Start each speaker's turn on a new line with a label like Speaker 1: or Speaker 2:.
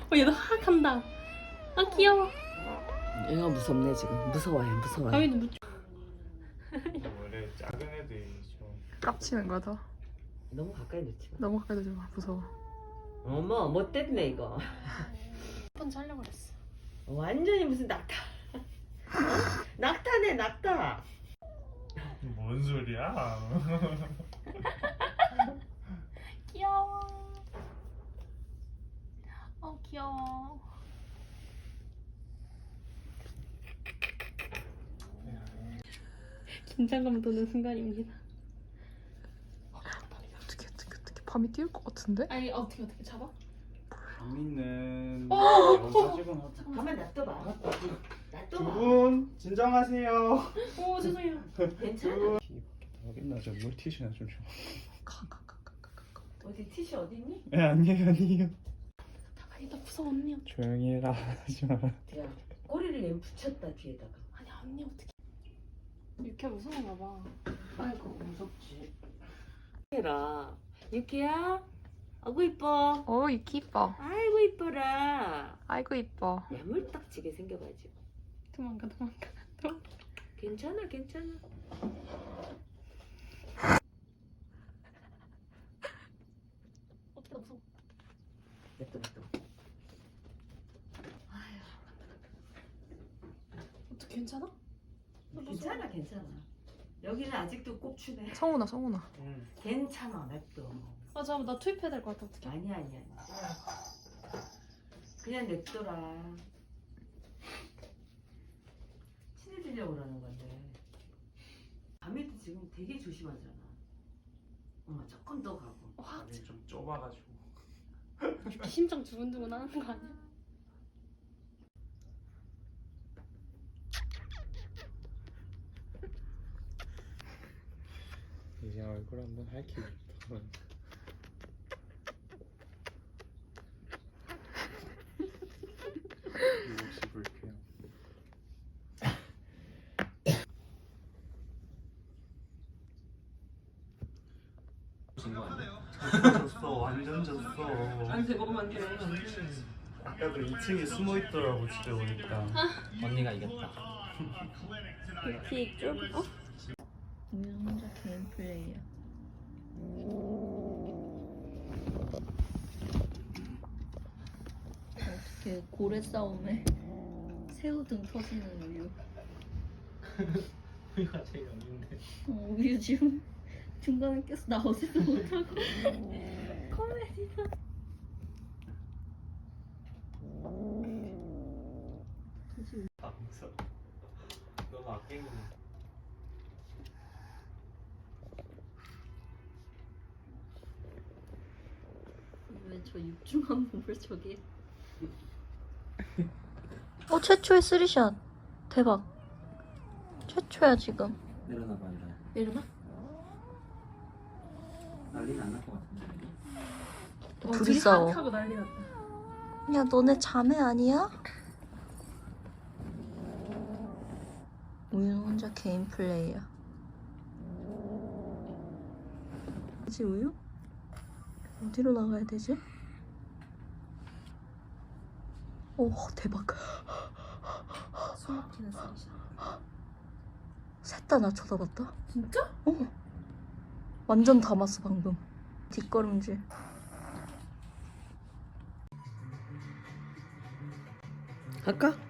Speaker 1: 얘도 하악 한다. 아 귀여워.
Speaker 2: 얘가 무섭네 지금. 무서워요.
Speaker 1: 가위도 묻혀.
Speaker 3: 원래 작은 애들이 좀
Speaker 4: 깝치는 거야 더.
Speaker 2: 너무 가까이 놓지 마.
Speaker 4: 너무 가까이 두지 마. 무서워.
Speaker 2: 어머 못됐네 이거.
Speaker 1: 한 번 하려고 그랬어.
Speaker 2: 완전히 무슨 낙타. 낙타네 낙타.
Speaker 3: 뭔 소리야?
Speaker 1: 귀여워. 귀여워. 긴장감 도는 순간입니다.
Speaker 4: 어떻게 밤이 띄울 것 같은데?
Speaker 1: 아니 어떻게 잡아?
Speaker 3: 재밌는
Speaker 1: 어,
Speaker 3: 사직은
Speaker 2: 가만 놔둬봐.
Speaker 3: 두
Speaker 2: 놔둬봐.
Speaker 3: 분 진정하세요.
Speaker 1: 오 죄송해요.
Speaker 2: 괜찮아.
Speaker 3: 어딨나 저 물티슈나 좀 줘.
Speaker 4: 가.
Speaker 2: 어디 티슈 어디 있니?
Speaker 3: 네 아니에요.
Speaker 1: 아니 나 무서워 언니.
Speaker 3: 조용히 해라 하지 마.
Speaker 2: 야 꼬리를 얘 붙였다 뒤에다가.
Speaker 1: 아니 언니 어떻게? 이렇게 무서운가 봐.
Speaker 2: 아이고 무섭지. 해라. 유키야. 아이고 이뻐.
Speaker 4: 오 이키 이뻐.
Speaker 2: 아이고 이뻐라.
Speaker 4: 아이고 이뻐.
Speaker 2: 야물딱지게 생겨가지고.
Speaker 1: 도망가.
Speaker 2: 괜찮아.
Speaker 1: 어떻게 무서워?
Speaker 2: 냅둬.
Speaker 1: 어떻게 괜찮아?
Speaker 2: 괜찮아. 여기는 아직도 꼽추네.
Speaker 4: 성훈아.
Speaker 2: 괜찮아 냅둬.
Speaker 1: 잠깐만 나 투입해야 될 것 같아. 어떻게?
Speaker 2: 아니야. 그냥 냅둬라. 친해지려고 그러는 건데. 밤에도 지금 되게 조심하잖아. 조금 더 가고.
Speaker 1: 확
Speaker 3: 좀 좁아가지고.
Speaker 1: 심장 두근두근 하는 거 아니야?
Speaker 3: 이제 얼굴 한번 할퀴고 싶어. 혹시 불쾌해? 졌어 완전 졌어.
Speaker 2: 안돼 먹으면 안 돼.
Speaker 3: 아까도 2층에 숨어 있더라고 집에 오니까.
Speaker 5: 언니가 이겼다.
Speaker 1: 빅 쫄?
Speaker 6: 우유 혼자 개인 플레이야. 어떻게 고래 싸움에 새우등 터지는 우유.
Speaker 5: 우유가 제일 없는데.
Speaker 6: 우유 지금 중간에 껴서 나오지도 못하고 코미디다.
Speaker 5: 아 무서워. 너무 아끼는.
Speaker 6: 왜 저 육중한 몸을 저기.
Speaker 7: 최초의 쓰리샷. 대박. 최초야 지금.
Speaker 5: 내려놔봐 일어나.
Speaker 7: 일어나?
Speaker 5: 난리는 안 날 것 같은데.
Speaker 7: 둘이 싸워.
Speaker 1: 하고 난리 났다.
Speaker 7: 야 너네 자매 아니야? 우유는 혼자 개인 플레이야. 그치 우유? 어디로 나가야 되지? 오 대박.
Speaker 1: 숨 막히는 소리잖아.
Speaker 7: 셋 다 나 쳐다봤다.
Speaker 1: 진짜?
Speaker 7: 완전 담았어 방금. 뒷걸음질.
Speaker 2: 갈까?